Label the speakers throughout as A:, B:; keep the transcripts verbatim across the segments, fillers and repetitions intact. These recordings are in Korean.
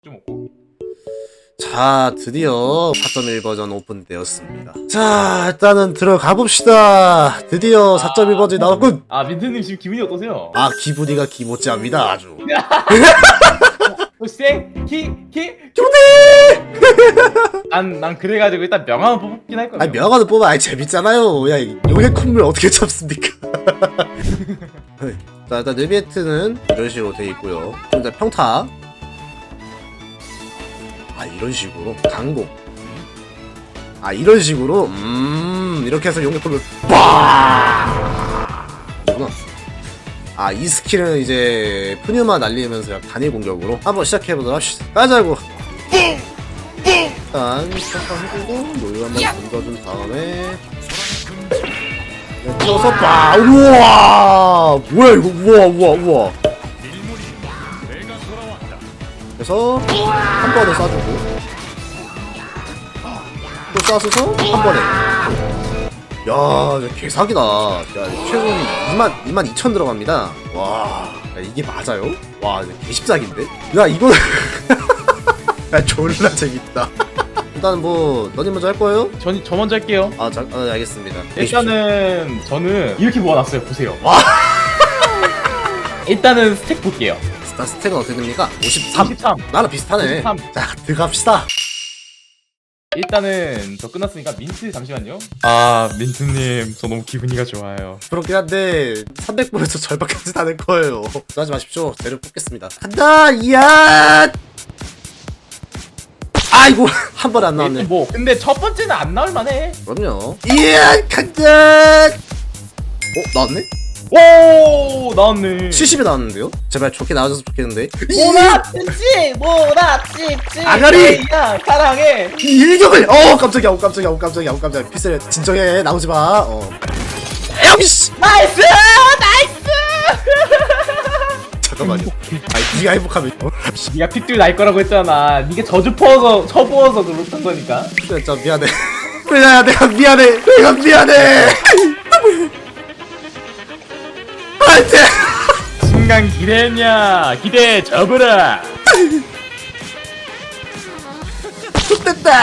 A: 좀 먹고.
B: 자, 드디어 사 점 일 버전 오픈되었습니다. 자, 일단은 들어가 봅시다. 드디어 사 점 일 버전이 나왔군.
A: 아 민트님 지금 기분이 어떠세요?
B: 아, 기분이가 기모찌합니다 아주.
A: 쌩! 키! 키!
B: 교대!
A: 난, 난 그래가지고 일단 명함을 뽑긴 할 거야.
B: 아니, 명화도 뽑아. 아니, 재밌잖아요. 야, 용의 콧물 어떻게 잡습니까? 자, 일단 느비에트는 이런 식으로 돼 있고요. 일단 평타. 아, 이런 식으로. 강공. 아, 이런 식으로. 음, 이렇게 해서 용의 콧물 빡! 이구나. 아, 이 스킬은 이제 푸뉴마 날리면서 단일 공격으로 한번 시작해보도록 합시다. 가자고. 일단 평타 해주고 노유 한번 던져준 다음에 뛰어서 빠. 우와, 뭐야 이거. 우와 우와 우와. 그래서 한 번에 쏴주고 또 쏴서서 한 번에. 야, 이거 개사기다. 야, 최근 이만, 이만 이천 들어갑니다. 와, 야, 이게 맞아요? 와, 이거 개십사기인데? 야, 이거. 야, 졸라 재밌다. 일단 뭐, 너님 먼저 할 거예요?
A: 전, 저 먼저 할게요.
B: 아, 자, 아, 알겠습니다.
A: 일단은 저는 이렇게 모아놨어요. 보세요.
B: 와.
A: 일단은 스택 볼게요.
B: 일단 스택은 어떻게 됩니까? 오십삼.
A: 오십삼.
B: 나랑 비슷하네.
A: 오십삼.
B: 자, 들어갑시다.
A: 일단은 저 끝났으니까 민트 잠시만요. 아 민트님 저 너무 기분이가 좋아요.
B: 그렇긴 한데 삼백 분에서 절반까지 다 낼 거예요. 하지 마십시오. 재료 뽑겠습니다. 간다. 이야. 아이고, 한 번에 안 나왔네.
A: 뭐 근데 첫 번째는 안 나올 만해.
B: 그럼요. 이야, 간다. 어, 나왔네?
A: 오 나왔네.
B: 칠십이 나왔는데요? 제발 좋게 나와줘서 좋겠는데.
A: 모나치치 모나치치
B: 아가리!
A: 야 사랑해.
B: 이 일격을. 어, 깜짝이야. 어, 깜짝이야. 어, 깜짝이야. 어, 깜짝이야. 피셀 진정해. 나오지 마. 어. 에이씨.
A: 나이스 나이스.
B: 잠깐만요. 아니, 네가 행복하면. 어?
A: 네가 핏줄 날 거라고 했잖아. 네가 저주 퍼서 쳐부어서 그렇던 거니까.
B: 진짜 미안해. 그래, 내가 미안해. 내가 미안해. 안돼.
A: 순간 기대했냐? 기대 접으라.
B: 좋됐다.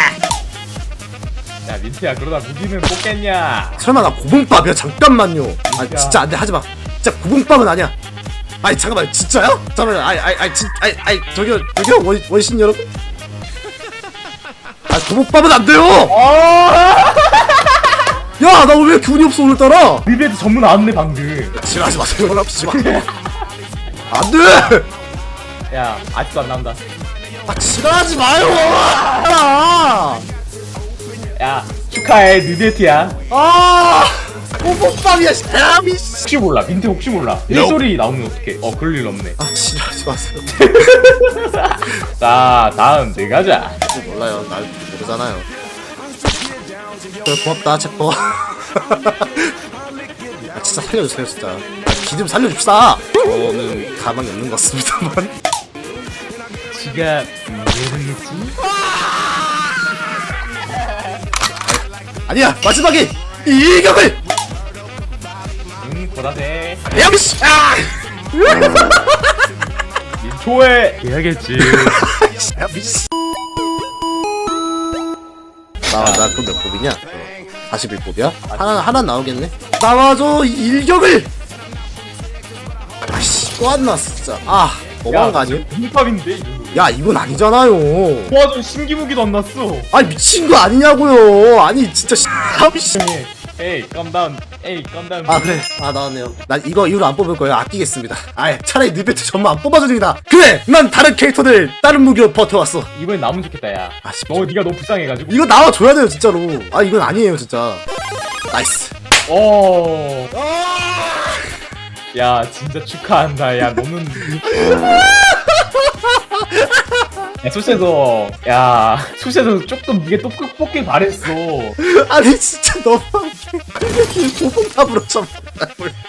A: 야 민트야 그러다 무기는 뽑겠냐?
B: 설마 나 고봉밥이야? 잠깐만요. 아, 진짜 안돼. 하지마. 진짜 고봉밥은 아니야. 아니, 잠깐만. 진짜야? 잠깐만. 아이 아이 아이 진 아이 아이 저기요 저기요 원 원신 여러분. 아, 고봉밥은 안 돼요. 야, 나 왜 기분이 없어 오늘따라?
A: 리베드 전문 나왔네 방금.
B: 지랄하지 마세요. 연락하지 마. 안 돼.
A: 야 아직도 안 나온다.
B: 아, 지랄하지 마요. 아,
A: 야 축하해 느데트야.
B: 아, 고봉밥이야. 샤미.
A: 혹시 몰라 민트 혹시 몰라. 일소리 나오면 어떡해. 어 그럴 일 없네.
B: 아, 지랄하지 마세요.
A: 자 다음 네 가자.
B: 몰라요. 날 모르잖아요. 그래, 고맙다, 체포. 아, 진짜 살려주세요, 진짜. 아, 기 좀 살려줍시다. 저는 가망이 없는 것 같습니다만.
A: 지가 이해했지?
B: 아니야, 마지막에 이 일격을.
A: 응 보라색.
B: 야미씨. 아!
A: 민초에 해야겠지.
B: 야미씨. 나, 나 그럼 몇 뽑이냐? 사십일 뽑이야? 하나, 하나 나오겠네? 나와줘, 이 일격을! 아씨, 또 안 나왔어, 진짜. 아, 너무한 거 아니야?
A: 힙합인데 이 정도.
B: 야, 이건 아니잖아요.
A: 도와준 신기무기도 안 났어.
B: 아니, 미친 거 아니냐고요. 아니, 진짜, 씨. 아미씨.
A: 에이 깜다운 에이 깜다운.
B: 아, 그래. 아, 나왔네요. 난 이거 이후로 안 뽑을 거예요. 아끼겠습니다. 아예 차라리 느베트 전부 안 뽑아주니까. 그래! 난 다른 캐릭터들, 다른 무기로 버텨왔어.
A: 이번엔 나면 좋겠다 야.
B: 아, 씨.
A: 너 네가 너무 불쌍해가지고.
B: 이거 나와줘야 돼요, 진짜로. 아, 이건 아니에요, 진짜. 나이스.
A: 어. 야 진짜 축하한다. 야 너는. 야 수세도 야 수세도 조금 이게 또 뽑길 바랬어.
B: 아니, 진짜 너무하게. 고봉탑으로 쳐.